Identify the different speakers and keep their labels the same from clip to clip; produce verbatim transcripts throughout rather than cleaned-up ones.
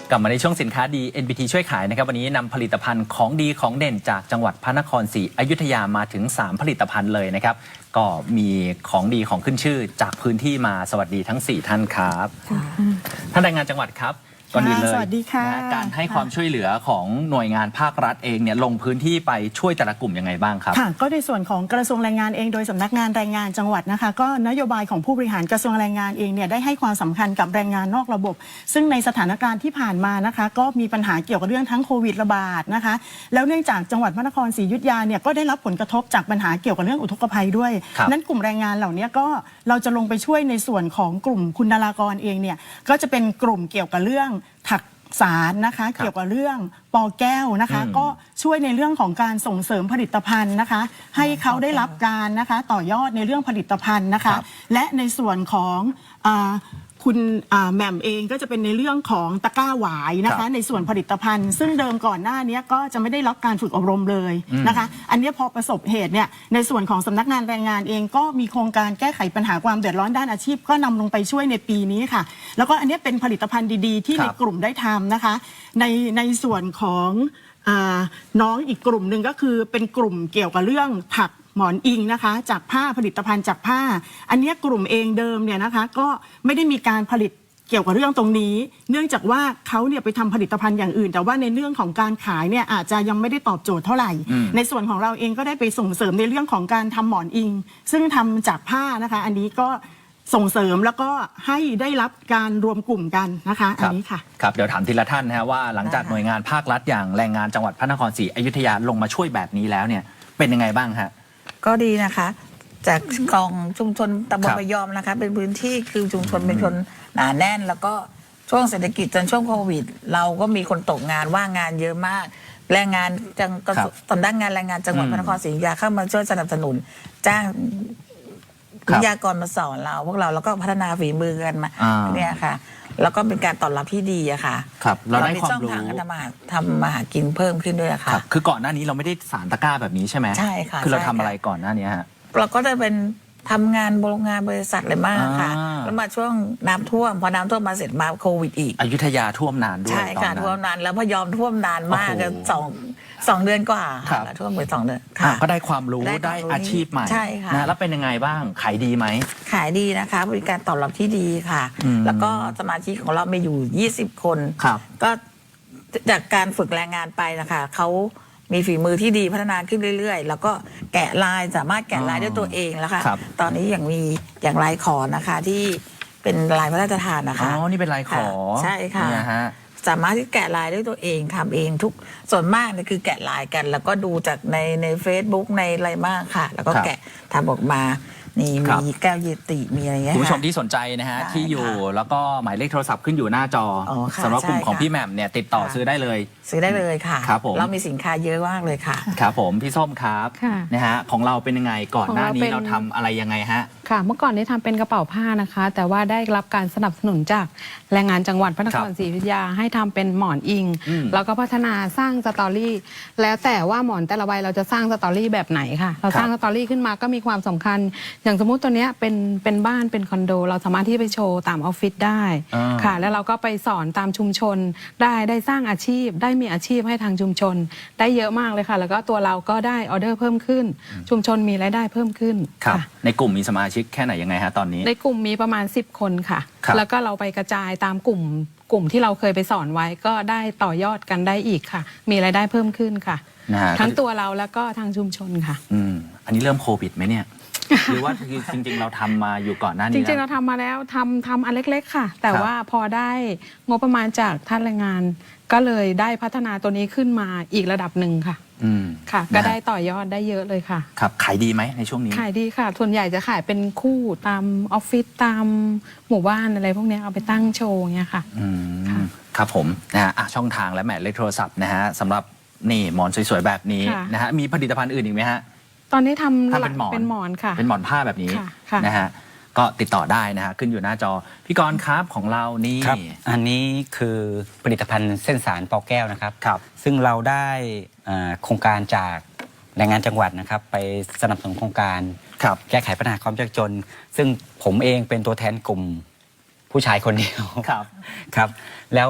Speaker 1: กลับมาในช่วงสินค้าดี เอ็น บี ที ช่วยขายนะครับวันนี้นำผลิตภัณฑ์ของดีของเด่นจากจังหวัดพระนครศรีอยุธยามาถึงสามผลิตภัณฑ์เลยนะครับก็มีของดีของขึ้นชื่อจากพื้นที่มาสวัสดีทั้งสี่ท่านครับท่านรายงานจังหวัดครับก่อนอื่นเลย
Speaker 2: สวัสดีค่ะ
Speaker 1: การให้ความช่วยเหลือของหน่วยงานภาครัฐเองเนี่ยลงพื้นที่ไปช่วยแต่ละกลุ่มยังไงบ้างครับ
Speaker 2: ค่ะก็ในส่วนของกระทรวงแรงงานเองโดยสำนักงานแรงงานจังหวัดนะคะก็นโยบายของผู้บริหารกระทรวงแรงงานเองเนี่ยได้ให้ความสำคัญกับแรงงานนอกระบบซึ่งในสถานการณ์ที่ผ่านมานะคะก็มีปัญหาเกี่ยวกับเรื่องทั้งโควิดระบาดนะคะแล้วเนื่องจากจังหวัดพระนครศรีอยุธยาเนี่ยก็ได้รับผลกระทบจากปัญหาเกี่ยวกับเรื่องอุทกภัยด้วยนั้นกลุ่มแรงงานเหล่านี้ก็เราจะลงไปช่วยในส่วนของกลุ่มคุณนารากรเองเนี่ยก็จะเป็นกลุ่มเกี่ยวกับเรื่องถักสารนะคะเกี่ยวกับเรื่องปอแก้วนะคะก็ช่วยในเรื่องของการส่งเสริมผลิตภัณฑ์นะคะให้เขาได้รับการนะคะต่อยอดในเรื่องผลิตภัณฑ์นะคะและในส่วนของคุณแหม่มเองก็จะเป็นในเรื่องของตะกร้าหวายนะคะในส่วนผลิตภัณฑ์ซึ่งเดิมก่อนหน้านี้ก็จะไม่ได้รับการฝึกอบรมเลยนะคะอันนี้พอประสบเหตุเนี่ยในส่วนของสำนักงานแรงงานเองก็มีโครงการแก้ไขปัญหาความเดือดร้อนด้านอาชีพก็นำลงไปช่วยในปีนี้ค่ะแล้วก็อันนี้เป็นผลิตภัณฑ์ดีๆที่ในกลุ่มได้ทำนะคะในในส่วนของน้องอีกกลุ่มหนึ่งก็คือเป็นกลุ่มเกี่ยวกับเรื่องผักหมอนอิงนะคะจากผ้าผลิตภัณฑ์จากผ้าอันนี้กลุ่มเองเดิมเนี่ยนะคะก็ไม่ได้มีการผลิตเกี่ยวกับเรื่องตรงนี้เนื่องจากว่าเขาเนี่ยไปทำผลิตภัณฑ์อย่างอื่นแต่ว่าในเรื่องของการขายเนี่ยอาจจะยังไม่ได้ตอบโจทย์เท่าไหร่ในส่วนของเราเองก็ได้ไปส่งเสริมในเรื่องของการทำหมอนอิงซึ่งทำจากผ้านะคะอันนี้ก็ส่งเสริมแล้วก็ให้ได้รับการรวมกลุ่มกันนะคะอันนี้ค่ะ
Speaker 1: ครับเดี๋ยวถามทีละท่านนะฮะว่าหลังจากหน่วยงานภาครัฐอย่างแรงงานจังหวัดพระนครศรีอยุธยาลงมาช่วยแบบนี้แล้วเนี่ยเป็นยังไงบ้างฮะ
Speaker 3: ก็ดีนะคะจากกองชุมชนตำบลพยอมนะคะเป็นพื้นที่คือชุมชนเป็นคนหนาแน่นแล้วก็ช่วงเศรษฐกิจจนช่วงโควิดเราก็มีคนตกงานว่างงานเยอะมากแรงงานจังสำนักงานแรงงานจังหวัดพระนครศรีอยุธยาเข้ามาช่วยสนับสนุนจ้างวิทยากรมาสอนเราพวกเราแล้วก็พัฒนาฝีมือกันมาเนี่ยค่ะแล้วก็เป็นการตอบรับที่ดีอะค่ะ
Speaker 1: ครับเราได้ความรู้
Speaker 3: ทางทำมาทำมาหากินเพิ่มขึ้นด้วยค่ะ
Speaker 1: คือก่อนหน้านี้เราไม่ได้สารตะกร้าแบบนี้ใช่ไหม
Speaker 3: ใช่ค่ะ
Speaker 1: คือเราทำอะไรก่อนหน้านี้ฮะ
Speaker 3: เราก็จะเป็นทำงานโรงงานบริษัทเลยมากค่ะแล้วมาช่วงน้ำท่วมพอน้ำท่วมมาเสร็จมาโควิดอีก
Speaker 1: อยุธยาท่วมนานด้วย
Speaker 3: ใช่ค่ะท่วมนานแล้วพยอมท่วมนานมากกันสองสองเดือนกว่าค่ะท่วมไปสองเดือนค่ะ
Speaker 1: ก็ได้ความรู้ได้อาชีพใหม่
Speaker 3: ใช่ค่ะ
Speaker 1: นะแล้วเป็นยังไงบ้างขายดีไหม
Speaker 3: ขายดีนะคะบริการตอบรับที่ดีค่ะแล้วก็สมาชิกของเรามีอยู่ยี่สิบคนก็จากการฝึกแรงงานไปนะคะเขามีฝีมือที่ดีพัฒนาขึ้นเรื่อยๆแล้วก็แกะลายสามารถแกะลายด้วยตัวเองแล้วค่ะตอนนี้อย่างมีอย่างลายขอนะคะที่เป็นลายพระราชทานนะคะ
Speaker 1: อ๋อนี่เป็นลายขอ
Speaker 3: ใช่ค่ะสามารถที่แกะลายด้วยตัวเองทำเองทุกส่วนมากเนี่ยคือแกะลายกันแล้วก็ดูจากในใน Facebook ในอะไรมากค่ะแล้วก็แกะทำออกมานี่มีแก้วเยติมีอะไรเงี้ย
Speaker 1: คุณผู้ชมที่สนใจนะฮะที่อยู่แล้วก็หมายเลขโทรศัพท์ขึ้นอยู่หน้าจอสำหรับกลุ่มของพี่แหม่มเนี่ยติดต่อซื้อได้เลย
Speaker 3: ซื้อได้เลยค่ะ
Speaker 1: ครับผม
Speaker 3: เรามีสินค้าเยอะมากเลยค่ะ
Speaker 1: ครับผมพี่ส้มครับนะฮะของเราเป็นยังไงก่อนหน้านี้เราทำอะไรยังไงฮะ
Speaker 4: ค่ะเมื่อก่อนนี้ทำเป็นกระเป๋าผ้านะคะแต่ว่าได้รับการสนับสนุนจากแรงงานจังหวัดพระนครศรีอยุธยาให้ทำเป็นหมอนอิงแล้วก็พัฒนาสร้างสตอรี่แล้วแต่ว่าหมอนแต่ละใบเราจะสร้างสตอรี่แบบไหนค่ะเราสร้างสตอรี่ขึ้นมาก็มีความสำคัญอย่างสมมุติตัวเนี้ยเป็นเป็นบ้านเป็นคอนโดเราสามารถที่ไปโชว์ตามออฟฟิศได้ค่ะแล้วเราก็ไปสอนตามชุมชนได้ได้สร้างอาชีพได้มีอาชีพให้ทางชุมชนได้เยอะมากเลยค่ะแล้วก็ตัวเราก็ได้ออเดอร์เพิ่มขึ้นชุมชนมีรายได้เพิ่มขึ้น
Speaker 1: ค่ะในกลุ่มมีสมาชิกแค่ไหนยังไงฮะตอนนี้
Speaker 4: ในกลุ่มมีประมาณสิบคนค่ะแล้วก็เราไปกระจายตามกลุ่มกลุ่มที่เราเคยไปสอนไว้ก็ได้ต่อยอดกันได้อีกค่ะมีรายได้เพิ่มขึ้นค่ะทั้งตัวเราแล้วก็ทางชุมชนค่ะ
Speaker 1: อืมอันนี้เริ่มโควิดไหมเนี่ยหรือว่าจริงๆเราทำมาอยู่ก่อนหน้านี้
Speaker 4: จริงๆเราทำมาแล้วทำทำอันเล็กๆค่ะแต่ว่าพอได้งบประมาณจากท่านแรงงานก็เลยได้พัฒนาตัวนี้ขึ้นมาอีกระดับหนึ่งค่ะ
Speaker 1: อืม
Speaker 4: ค่ะก็ได้ต่อยอดได้เยอะเลยค่ะ
Speaker 1: ครับขายดีไหมในช่วงนี้
Speaker 4: ขายดีค่ะส่วนใหญ่จะขายเป็นคู่ตามออฟฟิศตามหมู่บ้านอะไรพวกนี้เอาไปตั้งโชว์เงี้ยค่ะ
Speaker 1: อืมครับผมนะฮะช่องทางและหมายเลขโทรศัพท์นะฮะสำหรับนี่หมอนสวยๆแบบนี้นะฮะมีผลิตภัณฑ์อื่นอีกไหมฮะ
Speaker 4: ตอนนี้ทำ
Speaker 1: เป็นหมอน
Speaker 4: เป็นหมอนค่ะ
Speaker 1: เป็นหมอนผ้าแบบนี้นะฮะก็ติดต่อได้นะฮะขึ้นอยู่หน้าจอพี่กรณ์ครับของเรานี่
Speaker 5: ครับอันนี้คือผลิตภัณฑ์เส้นสารปอแก้วนะครับ
Speaker 1: ครับ
Speaker 5: ซึ่งเราได้โครงการจากแรงงานจังหวัดนะครับไปสนับสนุนโครงการแก้ไขปัญหาความยากจนซึ่งผมเองเป็นตัวแทนกลุ่มผู้ชายคนเดียว
Speaker 1: ครับ
Speaker 5: ครับแล้ว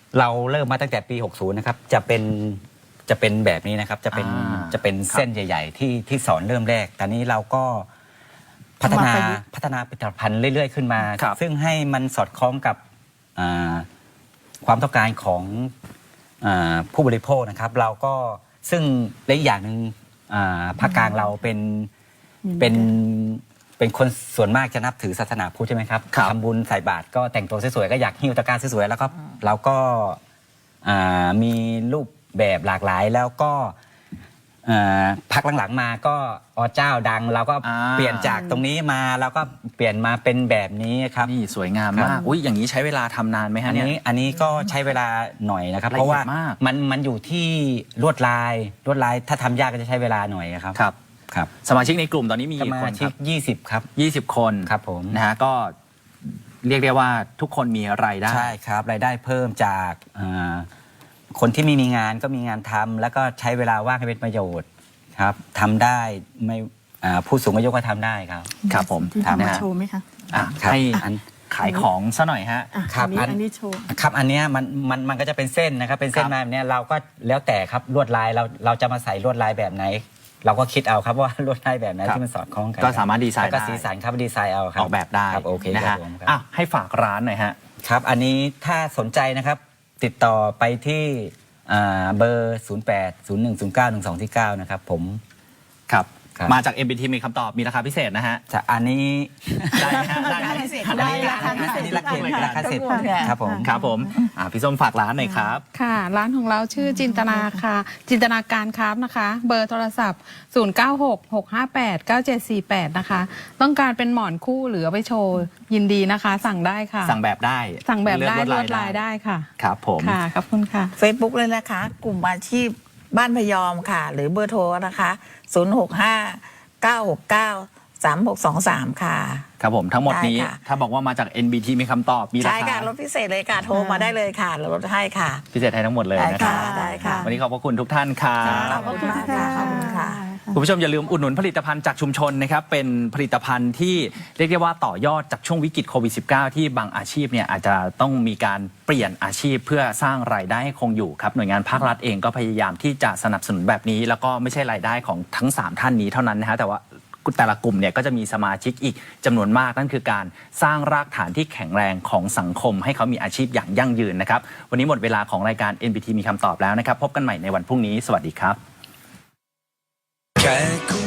Speaker 5: เราเริ่มมาตั้งแต่ปี หกสิบ นะครับ จะเป็นจะเป็นแบบนี้นะครับ จะเป็น
Speaker 1: อ่า
Speaker 5: จะเป็นเส้นใหญ่ ๆ ที่ที่สอนเริ่มแรก ตอนนี้เราก็พัฒนา
Speaker 2: เอามาประยุกต์
Speaker 5: พัฒนาผลิตภัณฑ์เรื่อย ๆ ขึ้นมา
Speaker 1: ครับ
Speaker 5: ซึ่งให้มันสอดคล้องกับอ่าความต้องการของอาผู้บริโภคนะครับ เราก็ซึ่งและอีกอย่างหนึ่งอ่าภาคกลางเราเป็นเป็นเป็นคนส่วนมากจะนับถือศาสนาพุทธใช่ไหมครับ
Speaker 1: ครับ
Speaker 5: ทำบุญใส่บาตรก็แต่งตัวสวยๆก็อยากหิ้วตะกร้าสวยๆแล้วก็เราก็อ่ามีรูปแบบหลากหลายแล้วก็อ่าพักหลังๆมาก็อเจ้าดัง เราก็
Speaker 1: อ่า
Speaker 5: เปลี่ยนจากตรงนี้มาแล้วก็เปลี่ยนมาเป็นแบบนี้ครับ
Speaker 1: นี่สวยงาม
Speaker 5: ครั
Speaker 1: มาก
Speaker 5: บ
Speaker 1: อุ้ยอย่างนี้ใช้เวลาทำนานไหม
Speaker 5: อั
Speaker 1: ฮะ
Speaker 5: น
Speaker 1: เนี่ย
Speaker 5: นี้อันนี้ก็ใช้เวลาหน่อยนะครับ
Speaker 1: ละเอียด
Speaker 5: เพราะว่าม
Speaker 1: าก
Speaker 5: มันมันอยู่ที่ลวดลายลวดลายถ้าทำยากก็จะใช้เวลาหน่อยครับ
Speaker 1: ครับ
Speaker 5: ครับ
Speaker 1: สมาชิกในกลุ่มตอนนี้มี
Speaker 5: ส
Speaker 1: กี่
Speaker 5: มา
Speaker 1: คนค
Speaker 5: ชิ
Speaker 1: รั
Speaker 5: กยี่สิบครับ
Speaker 1: บยี่สิบคน
Speaker 5: ครับผม
Speaker 1: นะฮะก็เรียกได้ว่าทุกคนมีรายได้
Speaker 5: ใช่ครับรายได้เพิ่มจากอ่าคนที่ไม่มีงานก็มีงานทำแล้วก็ใช้เวลาว่างให้เป็นประโยชน์ครับทำได้ไม่อ่าผู้สูงอายุก็ทำได้ครับ
Speaker 1: ครับผม
Speaker 2: ที่
Speaker 1: นะ
Speaker 2: ทำมา
Speaker 1: ฮะ
Speaker 2: โชว์ไหมคะ
Speaker 1: อ่ะ
Speaker 5: ครับ
Speaker 1: ให้
Speaker 5: อัน
Speaker 1: ขายของซะหน่อยฮะ
Speaker 2: อ่ะ
Speaker 5: ครับ
Speaker 2: อันนี้
Speaker 5: อัน
Speaker 2: อันนี้โชว์
Speaker 5: ครับอันเนี้ยมันมันมันก็จะเป็นเส้นนะครับเป็นเส้น
Speaker 1: ครับ
Speaker 5: มาแบบเนี้ยเราก็แล้วแต่ครับลวดลายเราเราจะมาใส่ลวดลายแบบไหน เราก็คิดเอาครับว่าลวดลายแบบไหน
Speaker 1: ครับ
Speaker 5: ที่มันสอดคล้องกัน
Speaker 1: ก็สามารถดีไซน์
Speaker 5: แล้วก็
Speaker 1: ได้
Speaker 5: สีสันครับดีไซน์เอาครับ
Speaker 1: ออกแบบได้
Speaker 5: ครับโอเค
Speaker 1: นะ
Speaker 5: ครั
Speaker 1: ฮะ
Speaker 5: บผมครับ
Speaker 1: อ่ะให้ฝากร้านหน่อยฮะ
Speaker 5: ครับอันนี้ถ้าสนใจนะครับ ติดต่อไปที่อ่าเบอร์ ศูนย์ แปด ศูนย์ หนึ่ง ศูนย์ เก้า หนึ่ง สอง เก้า นะครับผม
Speaker 1: ครับ
Speaker 5: ครับ
Speaker 1: มาจาก เอ็ม บี ที มีคำตอบมีราคาพิเศษนะฮะ
Speaker 5: จะอันนี้
Speaker 1: ได้ไหมฮะได้ไหม
Speaker 3: ได้พิเศษ
Speaker 1: ได้
Speaker 3: ได้ราคาพิเศษ
Speaker 5: อันนี้ราคา
Speaker 1: ทุกรายการ
Speaker 5: ราคาเสร็จ
Speaker 3: ทุกคนค่ะ
Speaker 5: ครับผม
Speaker 1: ครับผมอ่ะพี่ส้มฝากร้านหน่อยครับ
Speaker 4: ค่ะ ร้านของเราชื่อจินตนาค่ะ จินตนาการครับนะคะ เบอร์โทรศัพท์ ศูนย์ เก้า หก หก ห้า แปด เก้า เจ็ด สี่ แปด นะคะ ต้องการเป็นหมอนคู่หรือเอาไปโชว์ยินดีนะคะ สั่งได้ค่ะ
Speaker 1: สั่งแบบได้
Speaker 4: สั่งแบบได้
Speaker 1: เลือก
Speaker 4: ลวดลายได้ค่ะ
Speaker 1: ครับผม
Speaker 4: ค่ะขอบคุณค่ะ
Speaker 3: Facebook เลยนะคะ กลุ่มอาชีพบ้านพยอมค่ะ หรือเบอร์โทรนะคะ ศูนย์ หก ห้า เก้า หก เก้า สาม หก สอง สาม ค่ะ
Speaker 1: ครับผมทั้งหมดนี้
Speaker 3: ได้ค่ะ
Speaker 1: ถ้าบอกว่ามาจาก เอ็น บี ที มีคำตอบมีรา
Speaker 3: ใช่
Speaker 1: คา
Speaker 3: ค่ะลดพิเศษเลยค่ะ โทรมาได้เลยค่ะเราลดให้ค่ะ
Speaker 1: พิเศษให้ทั้งหมดเลย
Speaker 3: ได้
Speaker 1: นะครั
Speaker 3: ค่ะ
Speaker 1: บ
Speaker 3: ได้ค่ะ
Speaker 1: วันนี้ขอบพระคุณทุกท่านครับ
Speaker 3: ขอบคุณมากค่ะขอบคุณค่ะ
Speaker 1: คุณผู้ชมอย่าลืมอุดหนุนผลิตภัณฑ์จากชุมชนนะครับเป็นผลิตภัณฑ์ที่เรียกได้ว่าต่อยอดจากช่วงวิกฤตโควิด สิบเก้า ที่บางอาชีพเนี่ยอาจจะต้องมีการเปลี่ยนอาชีพเพื่อสร้างรายได้ให้คงอยู่ครับหน่วยงานภาครัฐเองก็พยายามที่จะสนับสนุนแบบนี้ แล้วก็ไม่ใช่รายได้ของทั้งสามท่านนี้เท่านั้นนะฮะแต่ว่าแต่ละกลุ่มเนี่ยก็จะมีสมาชิกอีกจำนวนมากนั่นคือการสร้างรากฐานที่แข็งแรงของสังคมให้เขามีอาชีพอย่างยั่งยืนนะครับวันนี้หมดเวลาของรายการ เอ็น บี ที มีคำตอบแล้วนะครับพบกันใหม่ในวันพรุ่งนี้สวัสดีครับ
Speaker 6: แค่คุ